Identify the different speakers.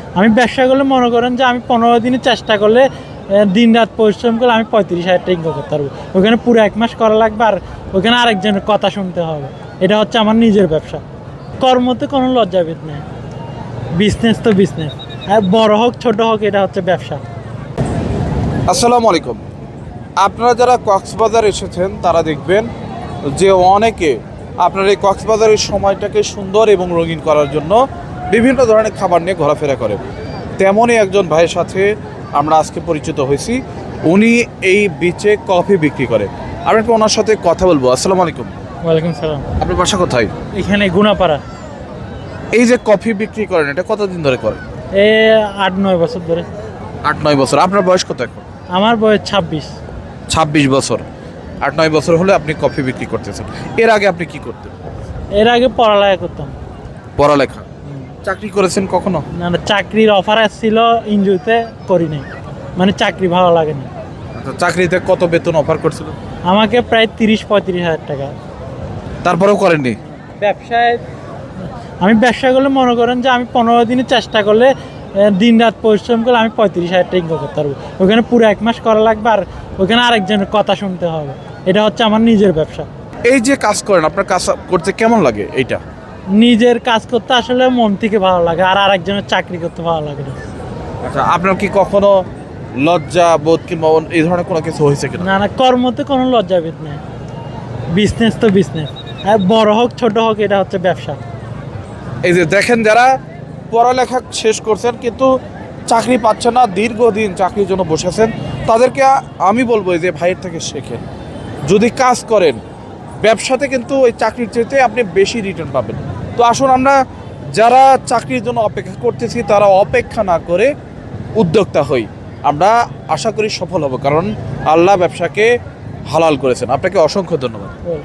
Speaker 1: আমি ব্যবসা করলে মনে করেন যে আমি 15 দিনে চেষ্টা করলে দিন রাত পরিশ্রম করলে আমি 35,000 টাকা ইনকাম করতে পারবো। ওখানে পুরো 1 মাস করা লাগবে আর ওখানে আরেকজনের কথা শুনতে হবে। এটা হচ্ছে আমার নিজের ব্যবসা। কর্মতে কোনো লজ্জাবোধ নেই। বিজনেস তো বিজনেস, আর বড় হোক ছোট হোক, এটা হচ্ছে ব্যবসা।
Speaker 2: আসসালামু আলাইকুম। আপনারা যারা কক্সবাজার এসেছেন তারা দেখবেন যে অনেকে আপনার এই কক্সবাজারের সময়টাকে সুন্দর এবং রঙিন করার জন্য বিভিন্ন ধরনের খাবার নিয়ে ঘোরাফেরা করে। তেমনই একজন ভাইয়ের সাথে আমরা আজকে পরিচিত হয়েছি। উনি এই বিচে কফি বিক্রি করে। আমরা একটু ওনার সাথে কথা বলবো। আসসালামু আলাইকুম।
Speaker 1: ওয়ালাইকুম সালাম।
Speaker 2: আপনার বাসা কোথায়?
Speaker 1: এখানে গুনাপাড়া।
Speaker 2: এই যে কফি বিক্রি করেন, এটা কতদিন ধরে করেন?
Speaker 1: 8-9 বছর ধরে।
Speaker 2: 8-9 বছর। আপনার বয়স কত এখন?
Speaker 1: আমার বয়স 26।
Speaker 2: 26 বছর। 8-9 বছর হলে আপনি কফি বিক্রি করতেছেন। এর আগে আপনি কি করতেন?
Speaker 1: এর আগে পড়ালেখা করতাম।
Speaker 2: পড়ালেখা। চাকরি করেছেন কখনো?
Speaker 1: না না, চাকরির অফার আসছিল, ইনজুতে করি নাই, মানে চাকরি ভালো লাগে না।
Speaker 2: আচ্ছা, চাকরিতে কত বেতন অফার করছিল?
Speaker 1: আমাকে প্রায় 30-35 হাজার টাকা।
Speaker 2: তারপরেও করেননি?
Speaker 1: ব্যবসায় আমি ব্যবসা করলে মনে করেন যে আমি 15 দিনে চেষ্টা করলে দিন রাত পরিশ্রম করলে আমি 35,000 টাকা ইনকাম করতে পারবো। ওখানে পুরো 1 মাস করা লাগবে আর ওখানে আরেকজনের কথা শুনতে হবে। এটা হচ্ছে আমার নিজের ব্যবসা।
Speaker 2: এই যে কাজ করেন, আপনার কাজ করতে কেমন লাগে? এইটা
Speaker 1: নিজের কাজ করতে আসলে মন থেকে ভালো লাগে, আর আরেকজনের চাকরি করতে ভালো লাগে না।
Speaker 2: আচ্ছা, আপনার কি কখনো লজ্জা বোধ কিংবা এই ধরনের কোনো কিছু হয়েছে কিনা?
Speaker 1: না না, কর্মতে কোনো লজ্জাবোধ নেই। বিজনেস তো বিজনেস, আর বড় হোক ছোট হোক, এটা হচ্ছে ব্যবসা।
Speaker 2: এই যে দেখেন, যারা পড়ালেখা শেষ করছেন কিন্তু চাকরি পাচ্ছেন না, দীর্ঘদিন চাকরির জন্য বসেছেন, তাদেরকে আমি বলবো যে ভাইয়ের থেকে শেখেন। যদি কাজ করেন ব্যবসাতে, কিন্তু ওই চাকরির চাইতে আপনি বেশি রিটার্ন পাবেন। তো আসুন, আমরা যারা চাকরির জন্য অপেক্ষা করতেছি তারা অপেক্ষা না করে উদ্যোক্তা হই। আমরা আশা করি সফল হব, কারণ আল্লাহ ব্যবসাকে হালাল করেছেন। আপনাকে অসংখ্য ধন্যবাদ।